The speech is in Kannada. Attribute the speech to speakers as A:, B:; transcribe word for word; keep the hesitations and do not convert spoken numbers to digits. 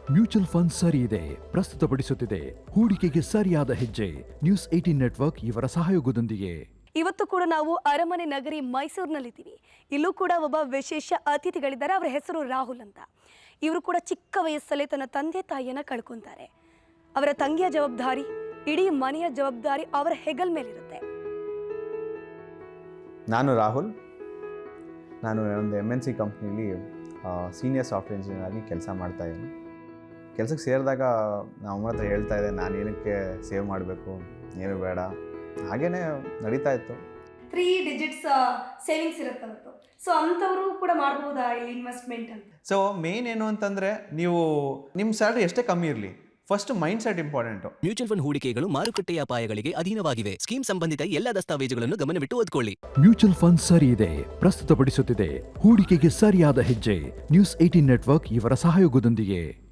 A: ಮ್ಯೂಚುವಲ್ ಫಂಡ್ ಸರಿ ಇದೆ ಪ್ರಸ್ತುತಪಡಿಸುತ್ತಿದೆ ಹೂಡಿಕೆಗೆ ಸರಿಯಾದ ಹೆಜ್ಜೆ. ನ್ಯೂಸ್ ಏಟೀನ್ ನೆಟ್ವರ್ಕ್ ಇವರ ಸಹಯೋಗದೊಂದಿಗೆ.
B: ಇವತ್ತು ಕೂಡ ನಾವು ಅರಮನೆ ನಗರಿ ಮೈಸೂರಿನಲ್ಲಿದ್ದೀವಿ. ಇಲ್ಲೂ ಕೂಡ ಒಬ್ಬ ವಿಶೇಷ ಅತಿಥಿಗಳಿದ್ದಾರೆ. ಅವರ ಹೆಸರು ರಾಹುಲ್ ಅಂತ. ಇವರು ಕೂಡ ಚಿಕ್ಕ ವಯಸ್ಸಲ್ಲೇ ತನ್ನ ತಂದೆ ತಾಯಿಯನ್ನ ಕಳ್ಕೊಂತಾರೆ. ಅವರ ತಂಗಿಯ ಜವಾಬ್ದಾರಿ, ಇಡೀ ಮನೆಯ ಜವಾಬ್ದಾರಿ ಅವರ ಹೆಗಲ್ ಮೇಲಿರುತ್ತೆ.
C: ನಾನು ರಾಹುಲ್. ನಾನು ಒಂದು ಎಮ್ ಎನ್ ಸಿ ಕಂಪ್ನೀಲಿ ಸೀನಿಯರ್ ಸಾಫ್ಟ್ವೇರ್ ಇಂಜಿನಿಯರ್ ಆಗಿ ಕೆಲಸ ಮಾಡ್ತಾಯಿದ್ದೀನಿ. ಕೆಲಸಕ್ಕೆ ಸೇರಿದಾಗ ನಮ್ಮ ಅಮ್ಮನ ಹತ್ರ ಹೇಳ್ತಾ ಇದ್ದೆ, ನಾನು ಏನಕ್ಕೆ ಸೇವ್ ಮಾಡಬೇಕು, ಏನು ಬೇಡ, ಹಾಗೇ ನಡೀತಾ ಇತ್ತು.
B: ತ್ರೀ ಡಿಜಿಟ್ಸ್ ಸೇವಿಂಗ್ಸ್ ಇರುತ್ತೆ ಅವತ್ತು. ಸೊ ಅಂಥವರು ಕೂಡ ಮಾಡ್ಬೋದಾ ಇಲ್ಲಿ ಇನ್ವೆಸ್ಟ್ಮೆಂಟ್ ಅಂತ?
D: ಸೊ ಮೇನ್ ಏನು ಅಂತಂದರೆ, ನೀವು ನಿಮ್ಮ ಸ್ಯಾಲ್ರಿ ಎಷ್ಟೇ ಕಮ್ಮಿ ಇರಲಿ, first mind set important.
E: Mutual fund ಹೂಡಿಕೆಗಳು ಮಾರುಕಟ್ಟೆಯ ಅಪಾಯಗಳಿಗೆ ಅಧೀನವಾಗಿವೆ. ಸ್ಕೀಮ್ ಸಂಬಂಧಿತ ಎಲ್ಲ ದಸ್ತಾವೇಜುಗಳನ್ನು ಗಮನವಿಟ್ಟು ಓದ್ಕೊಳ್ಳಿ.
A: ಮ್ಯೂಚುವಲ್ ಫಂಡ್ ಸರಿ ಇದೆ ಪ್ರಸ್ತುತಪಡಿಸುತ್ತಿದೆ ಹೂಡಿಕೆಗೆ ಸರಿಯಾದ ಹೆಜ್ಜೆ. ನ್ಯೂಸ್ ಏಟೀನ್ ನೆಟ್ವರ್ಕ್ ಇವರ ಸಹಯೋಗದೊಂದಿಗೆ.